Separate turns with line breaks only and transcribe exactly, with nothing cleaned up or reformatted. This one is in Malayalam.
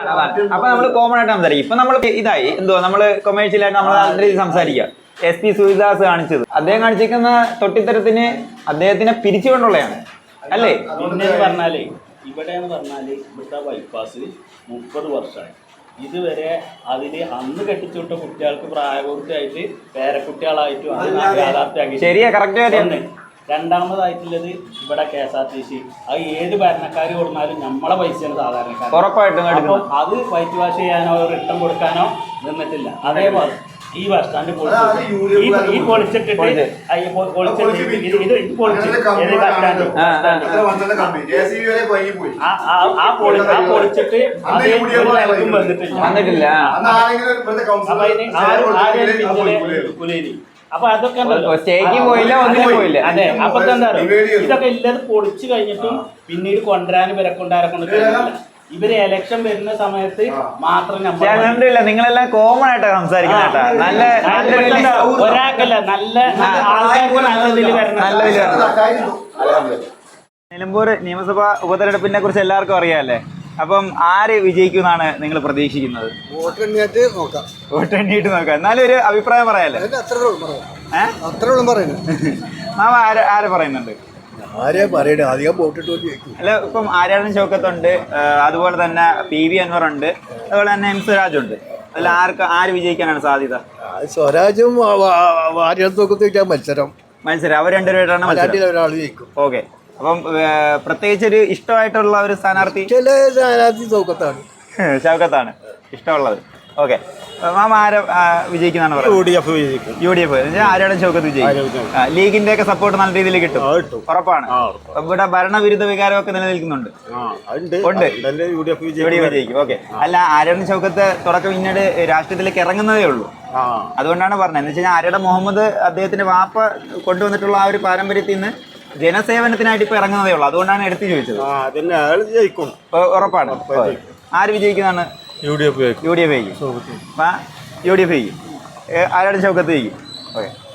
അപ്പൊ നമ്മള് കോമൺ ആയിട്ട് സംസാരിക്കും. ഇപ്പൊ നമ്മൾ ഇതായി എന്തോ നമ്മള് കൊമേഴ്ഷ്യലായിട്ട് നമ്മൾ നല്ല രീതിയിൽ സംസാരിക്കുക. എസ് പി സൂര്യദാസ് കാണിച്ചത് അദ്ദേഹം കാണിച്ചിരിക്കുന്ന തൊട്ടിത്തരത്തിന് അദ്ദേഹത്തിനെ പിരിച്ചുകൊണ്ടുള്ളതാണ് അല്ലേ?
പിന്നെ പറഞ്ഞാലേ ഇവിടെ എന്ന് പറഞ്ഞാല് ഇവിടുത്തെ ബൈപ്പാസ് മുപ്പത് വർഷമായി. ഇതുവരെ അതില് അന്ന് കെട്ടിച്ചുവിട്ട കുട്ടികൾക്ക് പ്രായപൂർത്തിയായിട്ട് പേരക്കുട്ടികളായിട്ടും അത് യാഥാർത്ഥ്യമാക്കി.
ശരിയാ, കറക്റ്റ്.
രണ്ടാമതായിട്ടുള്ളത് ഇവിടെ K S R T C അത് ഏത് ഭരണക്കാർ കൊടുത്താലും നമ്മളെ പൈസയാണ് സാധാരണക്കാർ.
ഉറപ്പായിട്ടും
അപ്പോൾ അത് വൈറ്റ് വാഷ് ചെയ്യാനോ റിട്ടേൺ കൊടുക്കാനോ നിന്നിട്ടില്ല. അതേപോലെ ഈ ബസ് സ്റ്റാൻഡ് പൊളിച്ചിട്ട് ഈ പൊളിച്ചിട്ടിട്ട് പൊളിച്ചിട്ട് ഇത് ഇത് പൊളിച്ചിട്ട് ആ പൊളി ആ പൊളിച്ചിട്ട് അതേ നിലക്കും വന്നിട്ടില്ല. അപ്പൊ അതിന് ആരും ആരും കുലേരി. അപ്പൊ അതൊക്കെ
സ്റ്റേജിൽ പോയില്ല, ഒന്നിനും പോയില്ല.
അതെ. അപ്പൊ എന്താ ഇതൊക്കെ ഇല്ലത് പൊളിച്ചു കഴിഞ്ഞിട്ടും പിന്നീട് കൊണ്ടുവരാനും ഇവരെ കൊണ്ടുവരാൻ കൊണ്ട് ഇവര് എലക്ഷൻ വരുന്ന സമയത്ത് മാത്രം
കണ്ടില്ല. നിങ്ങളെല്ലാം കോമൺ ആയിട്ട് സംസാരിക്കുന്ന നല്ല
ഒരാൾക്കല്ല നല്ല ആൾക്കാർക്ക് നല്ലതിൽ വരണം.
നിലമ്പൂർ നിയമസഭാ ഉപതെരഞ്ഞെടുപ്പിനെ കുറിച്ച് എല്ലാവർക്കും അറിയാമല്ലേ? അപ്പം ആര് വിജയിക്കുമെന്നാണ് നിങ്ങൾ പ്രതീക്ഷിക്കുന്നത്?
വോട്ട് എണ്ണിയിട്ട് നോക്കാം.
വോട്ട് എണ്ണിയിട്ട് നോക്കാം. എന്നാലും ഒരു അഭിപ്രായം പറയാല്ലേ?
ഏഹ് അത്രയോളം പറയുന്നത്
മാമ ആര് ആര് പറയുന്നുണ്ട്?
ആരെയാ പറയണേ? അധികം വോട്ടിട്ട്
അല്ല, ഇപ്പം ആര്യാടൻ ഷൗക്കത്തുണ്ട്, അതുപോലെ തന്നെ പി വി അൻവർ ഉണ്ട്, അതുപോലെ തന്നെ എം സ്വരാജ് ഉണ്ട്. അതിൽ ആർക്ക് ആര് വിജയിക്കാനാണ് സാധ്യത?
സ്വരാജും ആര്യാടൻ മത്സരം
മത്സരം അവർ രണ്ടുപേരാണ്
ഒരാൾ ജയിക്കും.
ഓക്കെ. അപ്പം പ്രത്യേകിച്ച് ഒരു ഇഷ്ടമായിട്ടുള്ള ഒരു സ്ഥാനാർത്ഥി
ചില സ്ഥാനാർത്ഥി ഷൗക്കത്താണ്
ഷൗക്കത്താണ് ഇഷ്ടമുള്ളത്. ഓക്കെ. മാമ ആരെ വിജയിക്കുന്നതാണ് പറയുന്നത്?
യു ഡി എഫ് വിജയിക്കും.
U D F Aryadan Shoukath വിജയിക്കും. ലീഗിന്റെ ഒക്കെ സപ്പോർട്ട് നല്ല രീതിയിൽ കിട്ടും, ഉറപ്പാണ്. ഇവിടെ ഭരണവിരുദ്ധ വികാരമൊക്കെ നിലനിൽക്കുന്നുണ്ട്. ഉണ്ട്. യു ഡി എഫ് വിജയിക്കും. ഓക്കെ. അല്ല, ആര്യാടൻ ഷൗക്കത്ത് തുടക്കം പിന്നീട് രാഷ്ട്രീയത്തിലേക്ക് ഇറങ്ങുന്നതേ ഉള്ളൂ. അതുകൊണ്ടാണ് പറഞ്ഞത്. എന്ന് വെച്ച് കഴിഞ്ഞാൽ ആര്യാടൻ മുഹമ്മദ് അദ്ദേഹത്തിന്റെ വാപ്പ കൊണ്ടുവന്നിട്ടുള്ള ആ ഒരു പാരമ്പര്യത്തിൽ നിന്ന് ജനസേവനത്തിനായിട്ട് ഇപ്പൊ ഇറങ്ങുന്നതേ ഉള്ളൂ. അതുകൊണ്ടാണ് എടുത്തു ചോദിച്ചത്. ഉറപ്പാണ്. ആര് വിജയിക്കുന്നതാണ്?
U D F
U D F ജയിക്കും. യു ഡി എഫ് ജയിക്കും. ആര്യാടൻ ഷൗക്കത്ത് ജയിക്കും. ഓക്കെ.